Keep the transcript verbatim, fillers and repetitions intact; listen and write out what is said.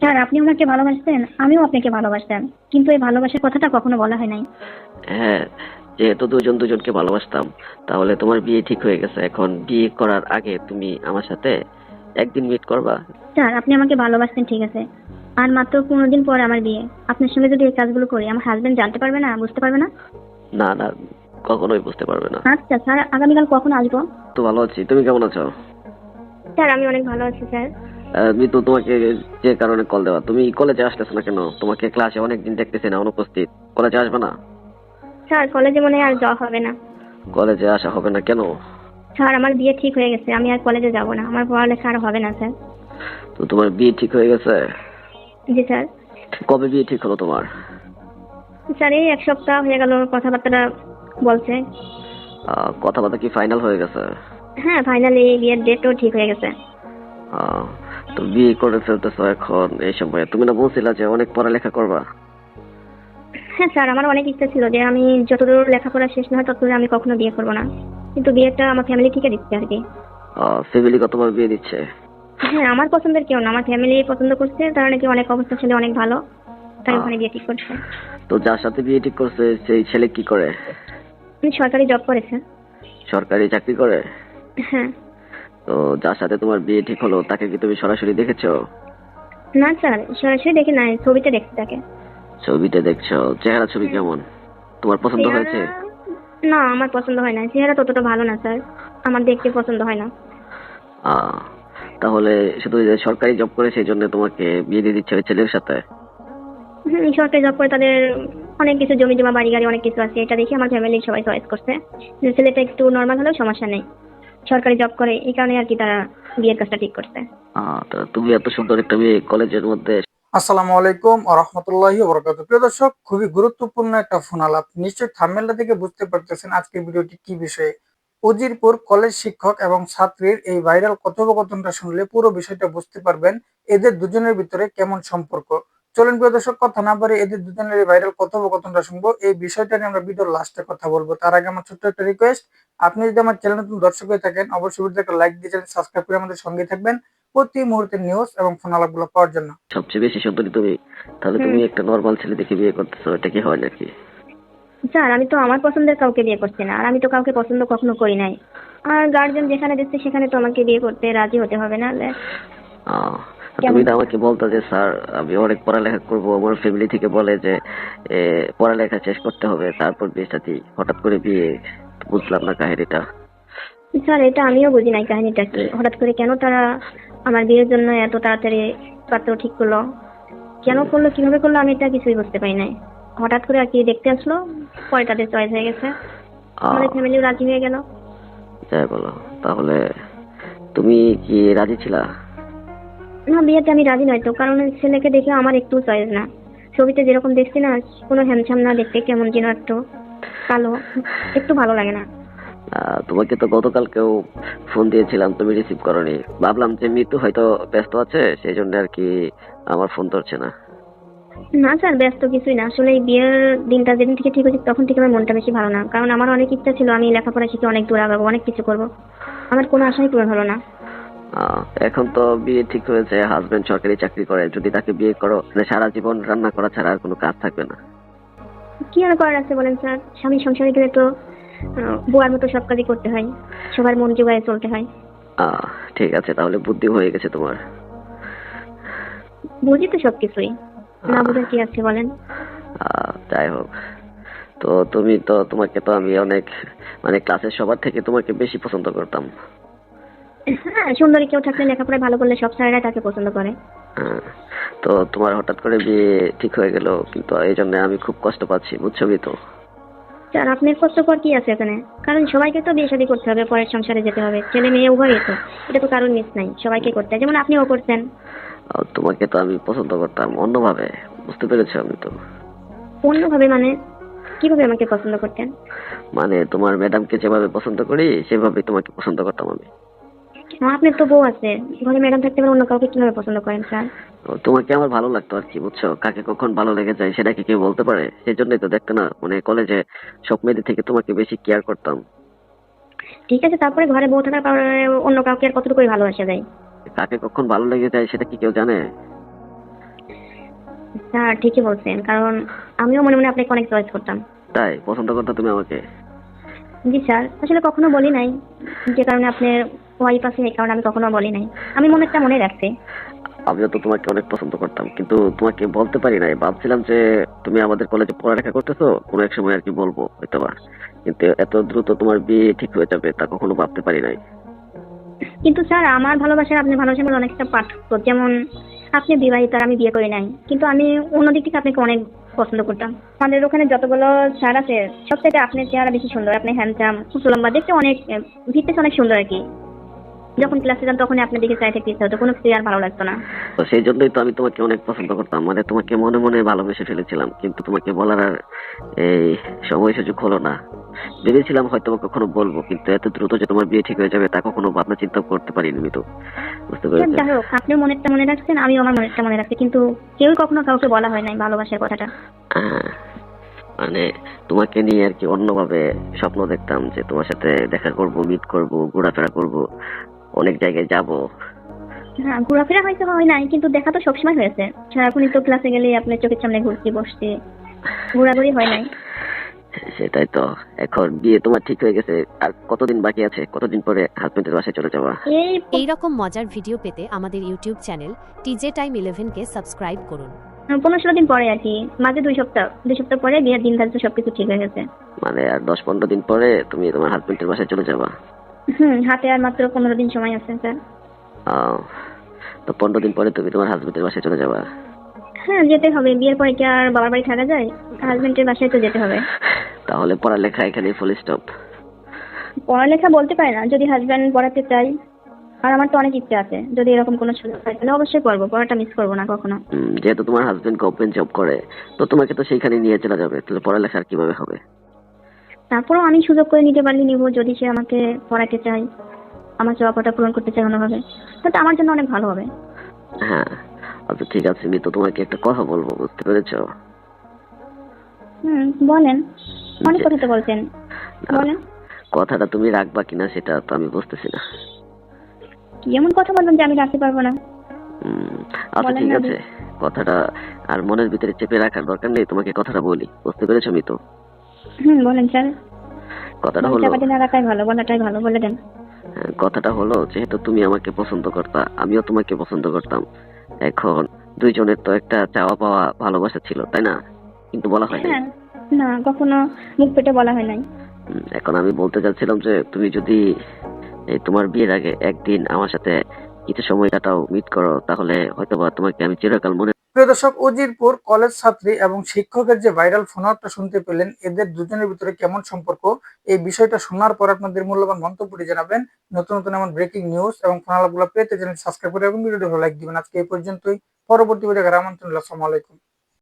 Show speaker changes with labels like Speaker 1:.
Speaker 1: Sir, আপনি ওনাকে ভালোবাসতেন, আমিও আপনাকে ভালোবাসতাম, কিন্তু এই ভালোবাসার কথাটা কখনো বলা হয় নাই।
Speaker 2: হ্যাঁ, যেহেতু দুজন দুজনকে ভালোবাসতাম, তাহলে তোমার বিয়ে ঠিক হয়ে গেছে। এখন বিয়ে করার আগে তুমি আমার সাথে একদিন মিট করবা?
Speaker 1: স্যার, আপনি আমাকে ভালোবাসতেন ঠিক আছে, আর মাত্র পনেরো দিন পরে আমার বিয়ে। আপনার সঙ্গে যদি এই কাজগুলো করি, আমার হাজবেন্ড জানতে পারবে না, বুঝতে পারবে না?
Speaker 2: না না, কখনোই বুঝতে পারবে না।
Speaker 1: আচ্ছা স্যার, আগামীকাল কখন আসবো?
Speaker 2: তো ভালো আছি, তুমি কেমন আছো?
Speaker 1: স্যার, আমি অনেক ভালো আছি স্যার।
Speaker 2: আহ, আমি তো তোমাকে যে কারণে কল দেওয়া, তুমি কলেজে আসতেছো না কেন? তোমাকে ক্লাসে অনেকদিন দেখতেছি না, অনুপস্থিত। কলেজে আসবে না?
Speaker 1: স্যার, কলেজে মনে হয় আর যাওয়া হবে না।
Speaker 2: কলেজে আসা হবে না কেন?
Speaker 1: স্যার, আমার বিয়ে ঠিক হয়ে গেছে, আমি আর কলেজে যাব না, আমার পড়ালেখা আর হবে না স্যার।
Speaker 2: তো তোমার বিয়ে ঠিক হয়ে গেছে?
Speaker 1: জি স্যার।
Speaker 2: কবে বিয়ে ঠিক হলো তোমার?
Speaker 1: স্যার, এই এক সপ্তাহ হয়ে গেল, কথাবার্তা বলছে।
Speaker 2: আহ, কথাবার্তা কি ফাইনাল হয়ে গেছে?
Speaker 1: হ্যাঁ, ফাইনালি বিয়ের ডেটও ঠিক হয়ে গেছে।
Speaker 2: আহ, তো বিয়ে করে ফেলতেছো এখন এই সময়? তুমি না বলছিলা যে অনেক পড়ালেখা করবা?
Speaker 1: হ্যাঁ স্যার, আমার অনেক ইচ্ছা ছিল যে আমি যতদূর লেখাপড়া শেষ না হয় ততদূর আমি কখনো বিয়ে করবো না, কিন্তু বিয়েটা আমার ফ্যামিলি থেকে দিচ্ছে আর কি।
Speaker 2: ফ্যামিলি কত তোমার বিয়ে দিচ্ছে?
Speaker 1: হ্যাঁ, আমার পছন্দের কেউ না, আমার ফ্যামিলি পছন্দ করছে, তারা নাকি অনেক অবস্থা ছেলে, অনেক ভালো, তাই
Speaker 2: আহ,
Speaker 1: ওখানে বিয়ে ঠিক করছে।
Speaker 2: তো যার সাথে বিয়ে ঠিক করছে সেই ছেলে কি করে?
Speaker 1: উনি সরকারি জব করেছে।
Speaker 2: সরকারি চাকরি করে?
Speaker 1: হ্যাঁ।
Speaker 2: তো যার সাথে তোমার বিয়ে ঠিক হলো তাকে কি তুমি সরাসরি দেখেছো?
Speaker 1: না স্যার, সরাসরি দেখি নাই, ছবিতে দেখছি তাকে।
Speaker 2: ছবিতে দেখছো? চেহারা ছবি কেমন? তোমার পছন্দ
Speaker 1: চেহারা?
Speaker 2: হয়েছে?
Speaker 1: না, আমার পছন্দ হয় না, চেহারা ততটা ভালো না স্যার, আমার দেখতে পছন্দ হয় না।
Speaker 2: আহ তাহলে শুধু যে সরকারি জব করে সেই জন্য তোমাকে বিয়ে দিয়ে দিচ্ছে ওই ছেলের সাথে?
Speaker 1: হুম, সরকারি জব করে তাদের অনেক কিছু জমি জমা বাড়ি গাড়ি অনেক কিছু আছে, এটা দেখে আমার ফ্যামিলির সবাই চয়েস করছে যে ছেলেটা একটু নর্মাল হলেও সমস্যা নেই, সরকারি জব করে, এই কারণে আর কি তারা বিয়ের কাজটা ঠিক করছে।
Speaker 2: আহ তো তুমি এত সুন্দর একটা মেয়ে কলেজের মধ্যে।
Speaker 3: আসসালামু আলাইকুম ওয়া রাহমাতুল্লাহি ওয়া বারাকাতুহু। প্রিয় দর্শক, খুবই গুরুত্বপূর্ণ একটা ফোন আলাপ। নিশ্চয়ই থাম্বনেলটা থেকে বুঝতে পারতেছেন আজকের ভিডিওটি কি বিষয়ে। উজিরপুর কলেজ শিক্ষক এবং ছাত্রীর এই ভাইরাল কথোপকথনটা শুনলে পুরো বিষয়টা বুঝতে পারবেন এদের দুজনের ভিতরে কেমন সম্পর্ক। চলুন প্রিয় দর্শক, কথা না বাড়িয়ে এদের দুজনের এই ভাইরাল কথোপকথনটা শুনবো। এই বিষয়টা নিয়ে আমরা ভিডিওর লাস্টে কথা বলবো। তার আগে আমার ছোট্ট একটা রিকোয়েস্ট, আপনি যদি আমার চ্যানেল নতুন দর্শক হয়ে থাকেন অবশ্যই ভিডিওতে একটা লাইক দিয়ে চ্যানেল সাবস্ক্রাইব করে আমাদের সঙ্গে থাকবেন প্রতি মুহূর্তের নিউজ এবং ফোন আলাপগুলো পাওয়ার জন্য।
Speaker 2: সবচেয়ে বেশি সুন্দরী তুমি, তাহলে
Speaker 1: হুম।
Speaker 2: তুমি একটা নর্মাল ছেলে দেখে বিয়ে করতেছো, এটা কি হয় নাকি?
Speaker 1: স্যার, আমি তো আমার পছন্দের কাউকে বিয়ে করছি না, আর আমি তো কাউকে পছন্দ কখনো করি নাই, আর গার্জিয়ান যেখানে দিচ্ছে সেখানে তো আমাকে বিয়ে করতে রাজি হতে হবে, না হলে
Speaker 2: আহ তুমি
Speaker 1: কেমন?
Speaker 2: তো আমাকে বলতো যে স্যার আমি অনেক পড়ালেখা করব, আমার ফ্যামিলি থেকে বলে যে এ, পড়ালেখা শেষ করতে হবে তারপর বিয়ে শাদী, হঠাৎ করে বিয়ে। বুঝলাম না কাহিনীটা।
Speaker 1: স্যার, এটা আমিও বুঝি নাই কাহিনীটা কি, হঠাৎ করে কেন তারা আমার বিয়ের জন্য এত তাড়াতাড়ি পাত্র ঠিক করলো, কেন করলো, কিভাবে করলো, আমি এটা কিছুই বুঝতে পারি নাই। হঠাৎ করে আর কি দেখতে আসলো, পরে তাদের চয়েস হয়ে গেছে,
Speaker 2: আহ
Speaker 1: আমাদের ফ্যামিলিও রাজি হয়ে গেল।
Speaker 2: যাই বলো, তাহলে তুমি কি রাজি ছিলা?
Speaker 1: না, বিয়েতে আমি রাজি নয় তো, কারণ ওই ছেলেকে দেখে আমার একটু চয়েস না, ছবিতে যেরকম দেখছি না, কোনো হ্যামছাম না, দেখতে কেমন যেন একটু কালো, একটু ভালো লাগে না।
Speaker 2: আহ, তোমাকে তো গতকালকেও ফোন দিয়েছিলাম, তুমি রিসিভ করোনি। ভাবলাম যে মৃত্যু হয়তো ব্যস্ত আছে, সেই জন্য আর কি আমার ফোন ধরছে না।
Speaker 1: না স্যার, ব্যস্ত কিছুই না, আসলে এই বিয়ের দিনটা যেদিন থেকে ঠিক হয়েছে তখন থেকে আমার মনটা বেশি ভালো না, কারণ আমার অনেক ইচ্ছা ছিল আমি লেখাপড়া শিখে অনেক দূর আগাবো, অনেক কিছু করবো, আমার কোনো আশাই পূরণ হলো না।
Speaker 2: আহ, এখন তো বিয়ে ঠিক হয়েছে, হাজবেন্ড সরকারি চাকরি করে, যদি তাকে বিয়ে করো তাহলে সারা জীবন রান্না করা ছাড়া আর কোনো কাজ থাকবে না।
Speaker 1: কি আর করার আছে বলেন স্যার, স্বামী সংসারে গেলে তো আহ, বুয়ার মতো সব কাজই করতে হয়, সবার মন জোগায় চলতে হয়।
Speaker 2: আহ ঠিক আছে, তাহলে বুদ্ধি হয়ে গেছে তোমার।
Speaker 1: বুঝি তো সবকিছুই, না বুঝার কি আছে বলেন?
Speaker 2: আহ, যাই হোক, তো তুমি তো, তোমাকে তো আমি অনেক, মানে ক্লাসের সবার থেকে তোমাকে বেশি পছন্দ করতাম।
Speaker 1: হ্যাঁ, সুন্দরী কেউ থাকলে, লেখাপড়ায় ভালো করলে সব স্যারেরা তাকে পছন্দ করে।
Speaker 2: হ্যাঁ, তো তোমার হঠাৎ করে বিয়ে ঠিক হয়ে গেল, কিন্তু এই জন্য আমি খুব কষ্ট পাচ্ছি, বুঝছো তো?
Speaker 1: স্যার, আপনার কষ্টকর কি আছে এখানে, কারণ সবাইকে তো বিয়ে শাদী করতে হবে, পরের সংসারে যেতে হবে, ছেলে মেয়ে উভয়ই তো, এটা তো কারোর মিস নাই, সবাইকে করতে হয়, যেমন আপনিও করছেন।
Speaker 2: আর তোমাকে তো আমি পছন্দ করতাম অন্যভাবে, বুঝতে পেরেছো? আমি তো,
Speaker 1: অন্যভাবে মানে? কিভাবে আমাকে পছন্দ করতেন?
Speaker 2: মানে তোমার ম্যাডামকে যেভাবে পছন্দ করি সেভাবে তোমাকে পছন্দ করতাম আমি।
Speaker 1: হ্যাঁ, আপনার তো বউ আছে, ঘরে ম্যাডাম থাকতে পারে, অন্য কাউকে কিভাবে পছন্দ করেন স্যার?
Speaker 2: তো তোমাকে আমার ভালো লাগতো আর কি, বুঝছো? কাকে কখন ভালো লেগে যায় সেটা কি কেউ বলতে পারে? সেই জন্যই তো দেখতে না, মানে কলেজে সব মেয়েদের থেকে তোমাকে বেশি কেয়ার করতাম।
Speaker 1: ঠিক আছে, তারপরে ঘরে বউ থাকার কারণে অন্য কাউকে আর কতটুকুই ভালোবাসা যায়?
Speaker 2: কাকে কখন ভালো লেগে যায় সেটা কি কেউ জানে?
Speaker 1: স্যার ঠিকই বলছেন, কারণ আমিও মনে মনে আপনাকে অনেক চয়েস করতাম।
Speaker 2: তাই পছন্দ করতে তুমি আমাকে?
Speaker 1: জি স্যার, আসলে কখনো বলি নাই, যে কারণে আপনার ওয়াইফ আছে এই কারণে আমি কখনো বলি নাই। আমি মনেরটা মনে রাখছি।
Speaker 2: আমিও তো তোমাকে অনেক পছন্দ করতাম, কিন্তু তোমাকে বলতে পারি নাই। ভাবছিলাম যে তুমি আমাদের কলেজে পড়ালেখা করতেছো, কোনো এক সময় আর কি বলবো হয়তোবা, কিন্তু এত দ্রুত তোমার বিয়ে ঠিক হয়ে যাবে তা কখনো ভাবতে পারি নাই।
Speaker 1: কিন্তু স্যার আমার ভালোবাসার আপনি ভালোবাসার মধ্যে অনেকটা পার্থক্য। যেমন আপনি বিবাহিত আর আমি বিয়ে করি নাই, কিন্তু আমি অন্যদিক থেকে আপনাকে অনেক পছন্দ করতাম। আমাদের ওখানে যতগুলো স্যার আছে সব থেকে আপনার চেহারা বেশি সুন্দর, আপনি হ্যান্ডসাম, উঁচু লম্বা, দেখতে অনেক ভিতরে অনেক সুন্দর আর কি। যখন ক্লাসে যান তখনই আপনার দিকে চাই থাকতে ইচ্ছা হতো, কোনো কিছু আর ভালো লাগতো না।
Speaker 2: তো সেই জন্যই তো আমি তোমাকে অনেক পছন্দ করতাম, মানে তোমাকে মনে মনে ভালোবেসে ফেলেছিলাম, কিন্তু তোমাকে বলার আর এই সময় সুযোগ হলো না। ভেবেছিলাম হয়তো কখনো বলবো, কিন্তু এত দ্রুত যে তোমার বিয়ে ঠিক হয়ে যাবে তা কখনো ভাবনা চিন্তা করতে পারিনি আমি তো। বুঝতে
Speaker 1: স্যার
Speaker 2: পেরেছি।
Speaker 1: যাই হোক, আপনিও মনেরটা মনে রাখছেন, আমিও আমার মনেরটা মনে রাখছি, কিন্তু কেউই কখনো কাউকে বলা হয় নাই ভালোবাসার কথাটা।
Speaker 2: আহ, মানে তোমাকে নিয়ে আর কি অন্যভাবে স্বপ্ন দেখতাম যে তোমার সাথে দেখা করব, মিট করব, ঘোরাফেরা করব, অনেক জায়গায় যাব।
Speaker 1: হ্যাঁ, ঘোরাফেরা হয়তো হয় নাই, কিন্তু দেখা তো সবসময় হয়েছে। সারাক্ষণই তো ক্লাসে গেলে আপনার চোখের সামনে ঘুরছি বসছি, ঘোরাঘুরি হয় নাই।
Speaker 2: সেটাই তো। এখন বিয়ে তোমার ঠিক হয়ে গেছে, আর কতদিন বাকি আছে? কতদিন পরে হাজবেন্ডের বাসায় চলে যাওয়া?
Speaker 1: এই
Speaker 4: এই রকম মজার ভিডিও পেতে আমাদের YouTube channel TJ time eleven কে সাবস্ক্রাইব করুন।
Speaker 1: পনেরো ষোলো দিন পরে আর কি, মাঝে দুই সপ্তাহ দুই সপ্তাহ পরে বিয়ের দিন ধার্য সবকিছু ঠিক হয়ে গেছে।
Speaker 2: মানে আর দশ পনেরো দিন পরে তুমি তোমার হাজবেন্ডের বাসায় চলে যাবা?
Speaker 1: হুম, হাতে আর মাত্র পনেরো দিন সময় আছে স্যার।
Speaker 2: আহ, তো পনেরো দিন পরে তুমি তোমার হাজবেন্ডের বাসায় চলে যাবা?
Speaker 1: হ্যাঁ, যেতে হবে। বিয়ের পরে কি আর বাবার বাড়ি থাকা যায়? হাজবেন্ডের বাসায় তো যেতে হবে।
Speaker 2: তাহলে পড়ালেখা এখানে ফুল স্টপ?
Speaker 1: পড়ালেখা বলতে পারে না, যদি হাজবেন্ড পড়াতে চাই, আর আমার তো অনেক ইচ্ছা আছে, যদি এরকম কোনো সুযোগ হয় তাহলে অবশ্যই পড়বো, পড়াটা মিস করবো না কখনো।
Speaker 2: যেহেতু তোমার হাজবেন্ড গভর্নমেন্ট জব করে, তো তোমাকে তো সেইখানে নিয়ে চলে যাবে, তাহলে পড়ালেখা আর কিভাবে হবে?
Speaker 1: তারপরেও আমি সুযোগ করে নিতে পারলে নিব, যদি সে আমাকে পড়াতে চাই, আমার চাওয়াটা পূরণ করতে চাই অন্যভাবে, তাহলে আমার জন্য অনেক ভালো হবে।
Speaker 2: হ্যাঁ, আচ্ছা ঠিক আছে, আমি তো তোমাকে একটা কথা বলবো, বুঝতে পেরেছো?
Speaker 1: হুম, বলেন। অনেক
Speaker 2: যে-
Speaker 1: কথা তো বলছেন, বলেন।
Speaker 2: কথাটা তুমি রাখবা কিনা সেটা তো আমি বুঝতেছি না।
Speaker 1: কি এমন কথা বলবেন যে আমি রাখতে পারবো না?
Speaker 2: উম, আচ্ছা
Speaker 1: বলেন
Speaker 2: ঠিক
Speaker 1: না
Speaker 2: আছে, কথাটা আর মনের ভিতরে চেপে রাখার দরকার নেই, তোমাকে কথাটা বলি, বুঝতে পেরেছো মিতু?
Speaker 1: হুম, বলেন স্যার।
Speaker 2: কথাটা
Speaker 1: মন
Speaker 2: হলো,
Speaker 1: চাপাতি না রাখাই ভালো, বলাটাই ভালো, বলে দেন।
Speaker 2: হ্যাঁ, কথাটা হলো যেহেতু তুমি আমাকে পছন্দ করতা, আমিও তোমাকে পছন্দ করতাম। এখন দুইজনের তো একটা চাওয়া পাওয়া ভালোবাসা ছিল, তাই না? কিন্তু বলা হয় নাই।
Speaker 1: হ্যাঁ, না কখনো মুখ পেটে বলা হয় নাই।
Speaker 2: উম, এখন আমি বলতে চাচ্ছিলাম যে তুমি যদি এই তোমার বিয়ের আগে একদিন আমার সাথে কিছু সময় কাটাও, মিট করো, তাহলে হয়তোবা তোমাকে আমি চিরকাল মনে।
Speaker 3: প্রিয় দর্শক, উজিরপুর কলেজ ছাত্রী এবং শিক্ষকের যে ভাইরাল ফোন আউটটা শুনতে পেলেন, এদের দুজনের ভিতরে কেমন সম্পর্ক, এই বিষয়টা শোনার পর আপনাদের মূল্যবান মন্তব্যটি জানাবেন। নতুন নতুন এমন ব্রেকিং নিউজ এবং ফোন আলাপগুলো পেতে চ্যানেল সাবস্ক্রাইব করে এবং ভিডিওটি ভালো লাইক দিবেন। আজকে এই পর্যন্তই, পরবর্তী ভিডিও দেখার আমন্ত্রণ রইলো। আসসালামু আলাইকুম।